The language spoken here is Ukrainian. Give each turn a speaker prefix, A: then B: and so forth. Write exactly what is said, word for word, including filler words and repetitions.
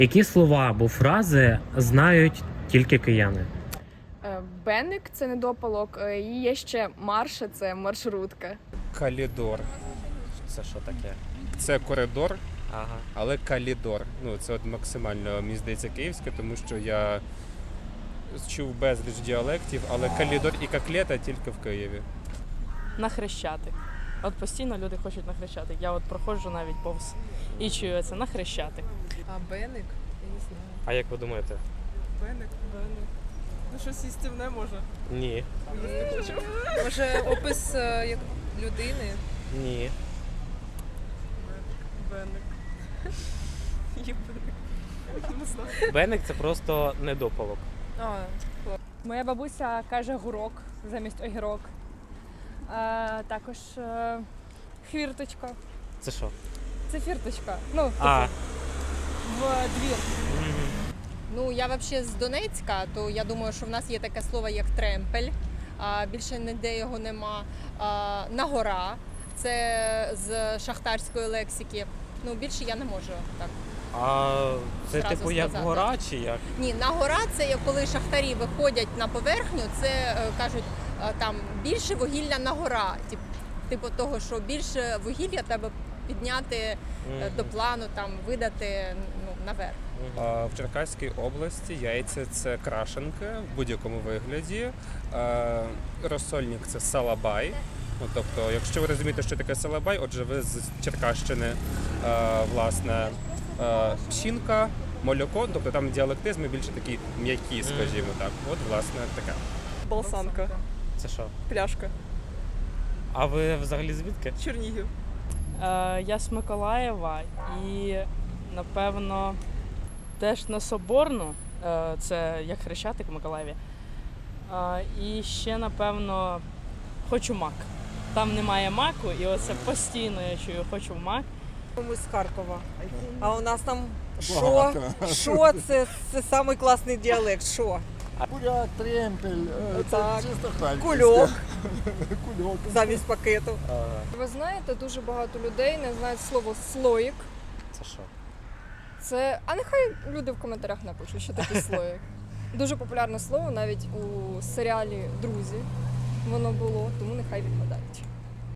A: Які слова або фрази знають тільки кияни?
B: Беник – це недопалок, і є ще марша – це маршрутка.
C: Калідор.
A: Це що таке?
C: Це коридор,
A: Ага.
C: але калідор. Ну, це от максимально, мені здається, київське, тому що я чув безліч діалектів, але калідор і коклета тільки в Києві.
D: На Хрещатик. От постійно люди хочуть на Хрещатик. Я от проходжу навіть повз і чую це на Хрещатик.
E: А беник? Я не знаю.
A: А як ви думаєте?
E: Беник, беник. Ну щось їстівне може.
A: Ні.
E: Може опис е, як людини?
A: Ні.
E: Беник. Є беник. Не знаю.
A: Беник це просто недопалок.
E: А,
B: Моя бабуся каже гурок замість огірок. А, також е, хвірточка.
A: Це що?
B: Це фірточка. Ну, типу,
A: А.
B: в двір.
F: Ну, я взагалі з Донецька, то я думаю, що в нас є таке слово, як тремпель, а більше ніде його нема. А, нагора, це з шахтарської лексики. Ну, більше я не можу так.
A: А це
F: Зразу
A: типу як
F: сказати.
A: гора чи як?
F: Ні, нагора це як коли шахтарі виходять на поверхню, це е, кажуть е, там більше вугілля на гора. Тип, типу того, що більше вугілля треба підняти е, до плану, там видати ну, наверх.
C: А в Черкаській області яйця – це крашенки в будь-якому вигляді. А розсольник – це салабай. Ну, тобто, якщо ви розумієте, що таке салабай, отже, ви з Черкащини, а, власне, а, пшінка, молоко, тобто там діалектизми більше такі м'які, скажімо так. От, власне, таке.
E: Балсанка.
A: Це що?
E: Пляшка.
A: А ви взагалі звідки?
E: Чернігів.
D: Е, я з Миколаєва і, напевно, теж на Соборну, е, це як Хрещатик в Миколаєві. Е, і ще, напевно, хочу мак. Там немає маку, і оце постійно я чую хочу мак.
G: Ми з Харкова. А у нас там що? Що це? Це самий класний діалект. Що?
H: Буряк, тремпель, е, це
G: Так.
H: чисто харківське.
G: Кульок
H: Кульок.
G: замість пакету.
B: Ви знаєте, дуже багато людей не знають слово слоїк.
A: Це що?
B: Це, а нехай люди в коментарях напишуть, що таке слоїк. Дуже популярне слово навіть у серіалі Друзі воно було, тому нехай відгадають.